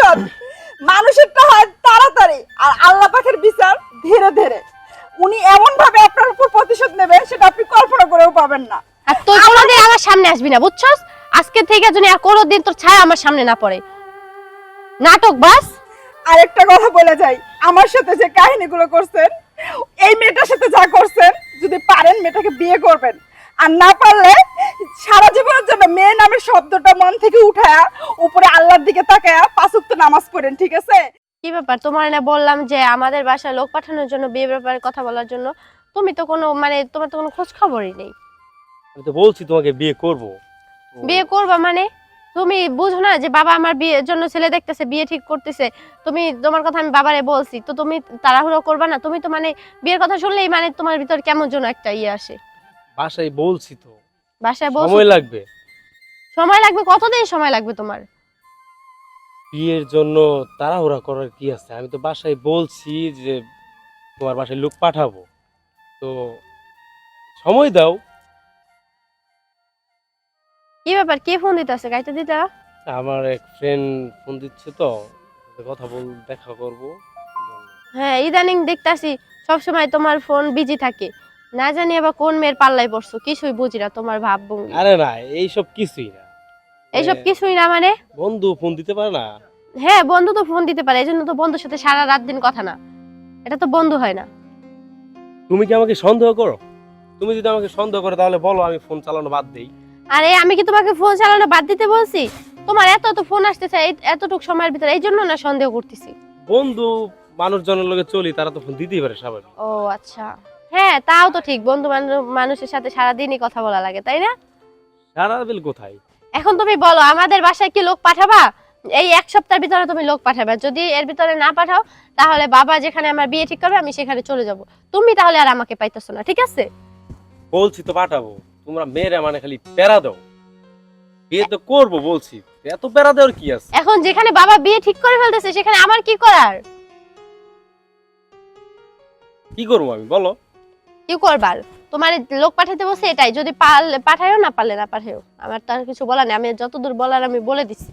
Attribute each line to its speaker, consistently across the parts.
Speaker 1: প্রতিশোধ মানুষেরটা হয় তাড়াতাড়ি আর আল্লাহ পাকের বিচার ধীরে ধীরে। উনি এমন ভাবে আপনার উপর প্রতিশোধ নেবে সেটা আপনি কল্পনা করেও পাবেন না।
Speaker 2: আর তুই কোনোদিন আমার সামনে আসবি না, বুঝছস? আজকে থেকে যদি আর কোনোদিন তোর ছায়া আমার সামনে না পড়ে। নাটক বাস।
Speaker 1: আরেকটা কথা বলে যাই, আমার সাথে যে কাহিনীগুলো করছেন, এই মেয়েটার সাথে যা করছেন, যদি পারেন মেয়েটাকে বিয়ে করবেন, আর না পারলে সারা জীবনের জন্য মেয়ে নামের শব্দটা মন থেকে উঠায়া উপরে আল্লাহর দিকে তাকায়া 5 ওয়াক্ত নামাজ পড়েন, ঠিক আছে?
Speaker 2: কি ব্যাপার, তোমার না বললাম যে আমাদের বাসায় লোক পাঠানোর জন্য, বিয়ে ব্যাপারে কথা বলার জন্য? তুমি তো কোনো তোমার তো কোনো খোঁজ খবরই নেই।
Speaker 3: আমি তো বলছি তোমাকে বিয়ে করব।
Speaker 2: বিয়ে করবা মানে? তুমি বুঝো না যে বাবা আমার বিয়ের জন্য ছেলে দেখতেছে, বিয়ে ঠিক করতেছে? তোমার কথা আমি বাবারে বলছি, তো তুমি তাড়াহুড়ো করবা না? তুমি তো বিয়ের কথা শুনলেই তোমার ভিতর কেমন যেন একটা ইয়ে আসে।
Speaker 3: বাসায় বলছি তো,
Speaker 2: বাসায় বলছো?
Speaker 3: সময় লাগবে।
Speaker 2: সময় লাগবে? কতদিন সময় লাগবে তোমার?
Speaker 3: বিয়ের জন্য তাড়াহুড়া করার কি আছে? আমি তো বাসায় বলছি যে তোমার বাসায় লোক পাঠাবো, তো সময় দাও।
Speaker 2: কি ব্যাপার, কে ফোন দিতেছে? গাইতে দিতা?
Speaker 3: আমার এক ফ্রেন্ড ফোন দিচ্ছে, তো কথা দেখা করব।
Speaker 2: হ্যাঁ, ইদানিং দেখতাছি সবসময় তোমার ফোন বিজি থাকে। না জানি আবার কোন মেয়ের পাল্লায় পড়ছো, কিছুই বুঝি না তোমার ভাবভঙ্গি।
Speaker 3: আরে না, এইসব কিছুই না।
Speaker 2: এইসব কিছুই না মানে?
Speaker 3: বন্ধু ফোন দিতে পারে না?
Speaker 2: হ্যাঁ, বন্ধু তো ফোন দিতে পারে, এজন্য তো বন্ধুর সাথে সারা রাত দিন কথা না। এটা তো বন্ধু হয় না।
Speaker 3: তুমি কি আমাকে সন্দেহ করো? তুমি যদি আমাকে সন্দেহ করো তাহলে বলো, আমি ফোন চালানো বাদ দেই।
Speaker 2: আরে আমি কি তোমাকে ফোন চালানো বাদ দিতে বলছি? তোমার এত ফোন আসতেছে এতটুক সময়ের ভিতরে, এই জন্য না সন্দেহ করতেছি।
Speaker 3: বন্ধু মানুষজনের লগে চলি, তারা তো ফোন দিতেই পারে স্বাভাবিক।
Speaker 2: ও আচ্ছা, হ্যাঁ তাও তো ঠিক। বন্ধু মানুষের সাথে সারাদিনই কথা বলা লাগে, তাই না?
Speaker 3: সারা বেল কোথায়?
Speaker 2: এখন তুমি বলো, আমাদের বাসায় কি লোক পাঠাবা? এই 1 সপ্তাহের ভিতরে তুমি লোক পাঠাবে। যদি এর ভিতরে না পাঠাও, তাহলে বাবা যেখানে আমার বিয়ে ঠিক করবে আমি সেখানে চলে যাব। তুমি তাহলে আর আমাকে পাইতেছো না, ঠিক আছে?
Speaker 3: বলছি তো পাঠাবো, তোমরা মেয়েরা খালি প্যারা দাও। বিয়ে তো করবো বলছি, এত প্যারা দেওয়ার কি আছে?
Speaker 2: এখন যেখানে বাবা বিয়ে ঠিক করে ফেলতেছে সেখানে আমার কি করার?
Speaker 3: কি করবো আমি, বলো?
Speaker 2: কি করবার? তোমার লোক পাঠাতে বসে এটাই, যদি পাঠায়ও, না পারলে না পাঠায়ও, আমার তার কিছু বলার নেই। আমি যতদূর বলার আমি বলে দিছি।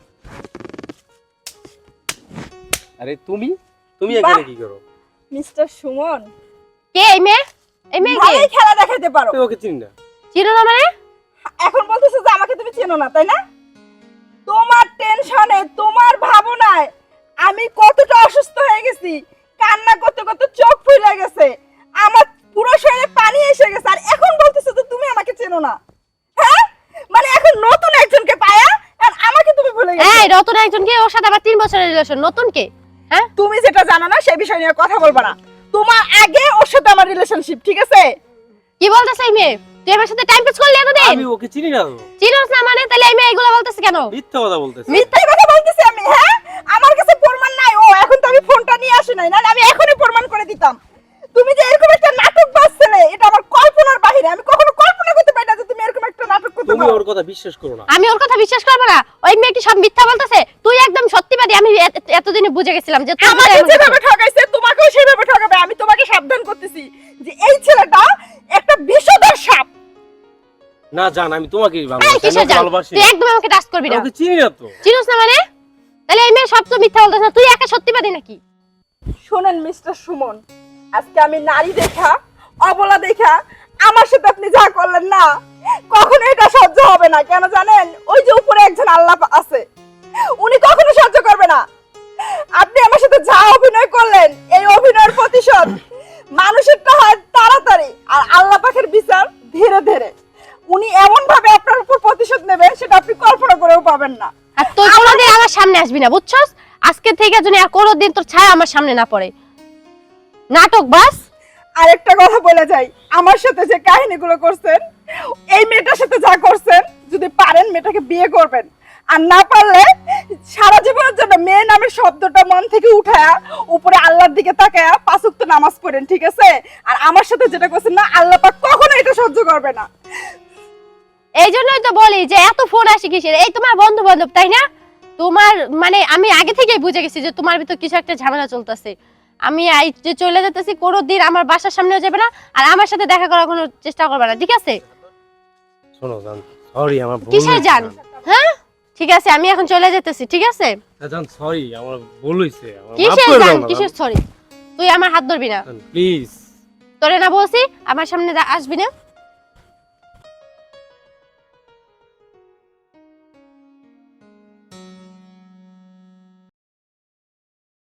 Speaker 3: আরে তুমি এখানে কি করো?
Speaker 1: মিস্টার সুমন,
Speaker 2: কে এই মেয়ে? এই মেয়ে কে?
Speaker 1: ভালোই খেলা দেখাইতে পারো।
Speaker 3: তুমি ওকে চিনি না?
Speaker 2: চিনো না মানে?
Speaker 1: এখন বলতেছো যে আমাকে তুমি চেনো না, তাই না? তোমার টেনশনে, তোমার ভাবনায় আমি কতটা অসুস্থ হয়ে গেছি। কান্না করতে করতে চোখ ফুলে গেছে, আমার পুরো শরীরে পানি এসে গেছে, আর এখন বলতেছো যে তুমি আমাকে চেনো না। হ্যাঁ, মানে এখন নতুন একজনকে পায়া আর আমাকে তুমি ভুলে গেছো।
Speaker 2: এই নতুন একজনকে, ওর সাথে আবার 3 বছরের রিলেশন, নতুন কে? হ্যাঁ,
Speaker 1: তুমি যেটা জানো না সেই বিষয় নিয়ে কথা বলবা না। তোমার আগে ওর সাথে আমার রিলেশনশিপ, ঠিক আছে?
Speaker 2: কি বলতেছ এই মেয়ে? তুই আমার সাথে টাইম পাস করলি এতদিন?
Speaker 3: আমি ওকে চিনি না তো।
Speaker 2: চিনোস না মানে? তাহলে এই মেয়ে এগুলো বলতেছে কেন?
Speaker 3: মিথ্যা কথা বলতেছে।
Speaker 1: মিথ্যা কথা বলতেছি আমি? হ্যাঁ, আমার কাছে প্রমাণ নাই। ও এখন তো আমি ফোনটা নিয়ে আসি নাই, না আমি এখনই প্রমাণ করে দিতাম। তুমি যে এরকম একটা নাটক বাজছিলে, এটা আমার কল্পনার বাইরে। আমি কখনো কল্পনা করতে পারি না যে তুমি এরকম একটা নাটক করতে
Speaker 3: তুমি
Speaker 1: পারো।
Speaker 3: ওর কথা বিশ্বাস করো না।
Speaker 2: আমি ওর কথা বিশ্বাস করবো না? ওই মেয়ে কি সব মিথ্যা বলতেছে? তুই একদম সত্যিবাদী। আমি এতদিনে বুঝে গেছিলাম যে তুই
Speaker 1: আমাকে যেভাবে ঠকাইছে তোমাকেও সেভাবে ঠকাবে। আমি তোমাকে সাবধান করতেছি যে এই ছেলেটা একটা বিষধর সাপ।
Speaker 3: না জান, আমি তোমাকেই
Speaker 2: এই কিসের জান?
Speaker 3: ভালোবাসি।
Speaker 2: তুই একদম আমাকে টাচ করবি না।
Speaker 3: ওকে চিনি না তো।
Speaker 2: চিনোস না মানে? তাহলে এই মেয়ে সব তো মিথ্যা বলতেছে না, তুই একা সত্যিবাদী নাকি?
Speaker 1: শোনেন মিস্টার সুমন, আজকে আমি নারী দেখা, অবলা দেখা আমার সাথে আপনি যা করলেন না, কখনো এটা সহ্য হবে না। কেন জানেন? ওই যে উপরে একজন আল্লাহ আছে, উনি কখনো সহ্য করবে না। আপনি আমার সাথে যা অভিনয় করলেন, এই অভিনয়ের প্রতিশোধ মানুষেরটা হয় তাড়াতাড়ি আর আল্লাহ পাকের বিচার ধীরে ধীরে। উনি এমন ভাবে আপনার উপর প্রতিশোধ নেবে সেটা আপনি কল্পনা করেও পাবেন না।
Speaker 2: আর তুই কোনোদিন আমার সামনে আসবি না, বুঝছস? আজকে থেকে যদি আর কোনোদিন তোর ছায়া আমার সামনে না পড়ে। নাটক বাস।
Speaker 1: আরেকটা কথা বলে যাই, আমার সাথে যে কাহিনীগুলো করছেন, এই মেয়েটার সাথে যা করছেন, যদি পারেন মেয়েটাকে বিয়ে করবেন, আর না পারলে সারা জীবনের জন্য মেয়ে নামের শব্দটা মন থেকে উঠায়া উপরে আল্লাহর দিকে তাকায়া 5 ওয়াক্ত নামাজ পড়েন, ঠিক আছে? আর আমার সাথে যেটা করছেন না, আল্লাহ পাক কখনো এটা সহ্য করবে না।
Speaker 2: এই জন্যই তো বলি যে এত ফোন আসে কিসের? এই তোমার বন্ধু বান্ধব, তাই না? তোমার আমি আগে থেকেই বুঝে গেছি যে তোমার ভিতর কিছু একটা ঝামেলা চলতেছে। আমি যে চলে যেতেছি, কোনোদিন আমার বাসার সামনেও যাবে না, আর আমার সাথে দেখা করার কোনো চেষ্টা করবে না, ঠিক আছে?
Speaker 3: শোনো জান, সরি আমার ভুল
Speaker 2: কিসের
Speaker 3: হয়েছে
Speaker 2: জান?
Speaker 3: জান।
Speaker 2: হ্যাঁ, ঠিক আছে আমি এখন চলে যেতেছি, ঠিক আছে?
Speaker 3: জান সরি, আমার ভুল হইছে, আমার মাফ
Speaker 2: কিসের
Speaker 3: করে
Speaker 2: জান,
Speaker 3: দাও না
Speaker 2: কিসের সরি? তুই আমার হাত ধরবি না,
Speaker 3: প্লিজ।
Speaker 2: তোরে না বলছি আমার সামনে আসবি না।